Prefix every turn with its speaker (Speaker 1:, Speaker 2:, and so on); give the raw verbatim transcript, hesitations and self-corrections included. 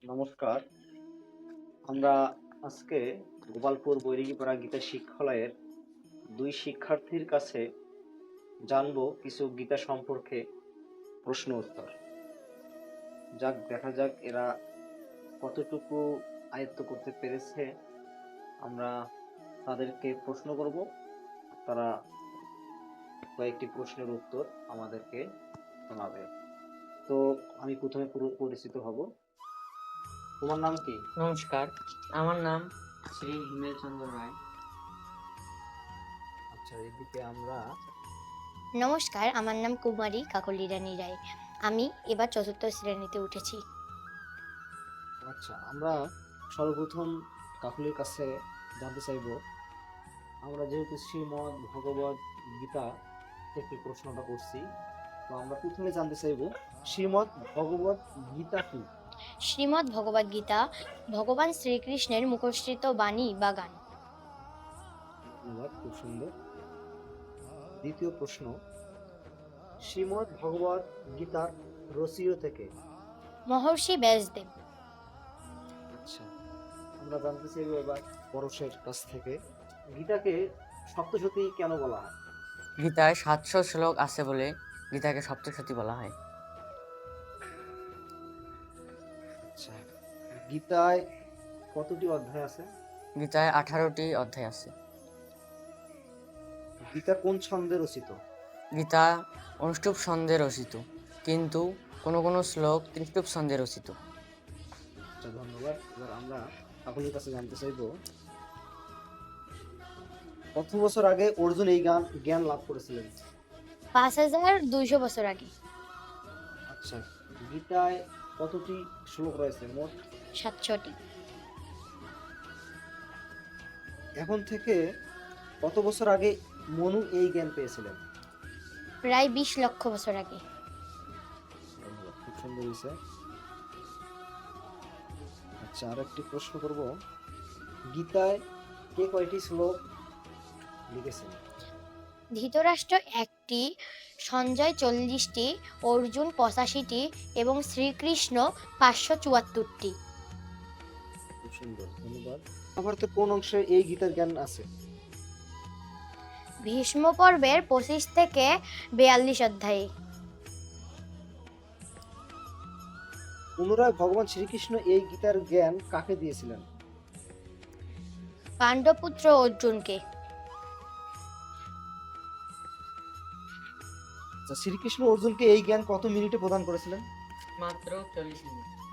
Speaker 1: নমস্কার। আমরা আজকে গোপালপুর বৈরাগীপাড়া গীতা শিক্ষালয়ের দুই শিক্ষার্থীর কাছে জানবো কিছু গীতা সম্পর্কে প্রশ্ন উত্তর। যাক, দেখা যাক এরা কতটুকু আয়ত্ত করতে পেরেছে। আমরা তাদেরকে প্রশ্ন করব, তারা কয়েকটি প্রশ্নের উত্তর আমাদেরকে শোনাবে। তো আমি প্রথমে পুরো পরিচিত হব। তোমার নাম কি?
Speaker 2: নমস্কার, আমার নাম শ্রী হিমেল চন্দ্র রায়।
Speaker 1: আচ্ছা, এদিকে আমরা
Speaker 3: নমস্কার, আমার নাম কুমারী কাকলি রানী রায়। আমি এবার চতুর্থ শ্রেণীতে উঠেছি।
Speaker 1: আচ্ছা, আমরা সর্বপ্রথম কাকুলির কাছে জানতে চাইব, আমরা যেহেতু শ্রীমদ্ ভগবদ গীতা থেকে প্রশ্নটা করছি, তো আমরা প্রথমে জানতে চাইব শ্রীমদ্ ভগবদ গীতা কি?
Speaker 3: শ্রীমদ্ ভগবদ গীতা ভগবান শ্রীকৃষ্ণের মুখশ্রিত বাণী বা গান।
Speaker 1: ধন্যবাদ, খুব সুন্দর। দ্বিতীয় প্রশ্ন, শ্রীমদ্ ভগবদ গীতার রচয়িতা থেকে?
Speaker 3: মহর্ষি ব্যাসদেব।
Speaker 1: আচ্ছা, আমরা জানতে চাইব এবার পরশের কাছ থেকে, গীতাকে সপ্তশতী কেন বলা হয়?
Speaker 2: গীতায় সাতশো শ্লোক আছে বলে গীতাকে সপ্তশতী বলা হয়।
Speaker 1: আচ্ছা, গীতায় কতটি অধ্যায় আছে?
Speaker 2: গীতায় আঠারোটি অধ্যায় আছে।
Speaker 1: গীতা কোন ছন্দে রচিত?
Speaker 2: গীতা অনুষ্টুপ ছন্দে রচিত, কিন্তু কোনো কোনো শ্লোক ত্রিষ্টুপ ছন্দে রচিত।
Speaker 1: আচ্ছা, ধন্যবাদ। এবার আমরা আপনাদের কাছে জানতে চাইব, কত বছর আগে অর্জুন এই জ্ঞান জ্ঞান লাভ করেছিলেন?
Speaker 3: পাঁচ হাজার দুইশো বছর আগে।
Speaker 1: আচ্ছা, গীতায় কতটি শ্লোক রয়েছে মোট?
Speaker 3: সাতশোটি।
Speaker 1: এখন থেকে কত বছর আগে মনু এই জ্ঞান পেয়েছিলেন?
Speaker 3: প্রায় বিশ লক্ষ বছর আগে।
Speaker 1: ধন্যবাদ, খুব সুন্দর হয়েছে। আচ্ছা, আর একটি প্রশ্ন করব, গীতায় কে কয়টি শ্লোক লিখেছেন?
Speaker 3: ধৃতরাষ্ট্র একটি, সঞ্জয় চল্লিশটি, অর্জুন পঁচাশিটি এবং শ্রীকৃষ্ণ পাঁচশো চুয়াত্তরটি।
Speaker 1: খুব সুন্দর, ধন্যবাদ। মহাভারতের কোন অংশে এই গীতার জ্ঞান আছে?
Speaker 3: ভীষ্ম পর্বের পঁচিশ থেকে বেয়াল্লিশ অধ্যায়ে।
Speaker 1: পুনরায় ভগবান শ্রীকৃষ্ণ এই গীতার জ্ঞান কাকে দিয়েছিলেন?
Speaker 3: পাণ্ডবপুত্র অর্জুনকে।
Speaker 1: আচ্ছা, শ্রীকৃষ্ণ অর্জুনকে এই জ্ঞান কত মিনিটে প্রদান করেছিলেন?
Speaker 2: মাত্র চল্লিশ মিনিট।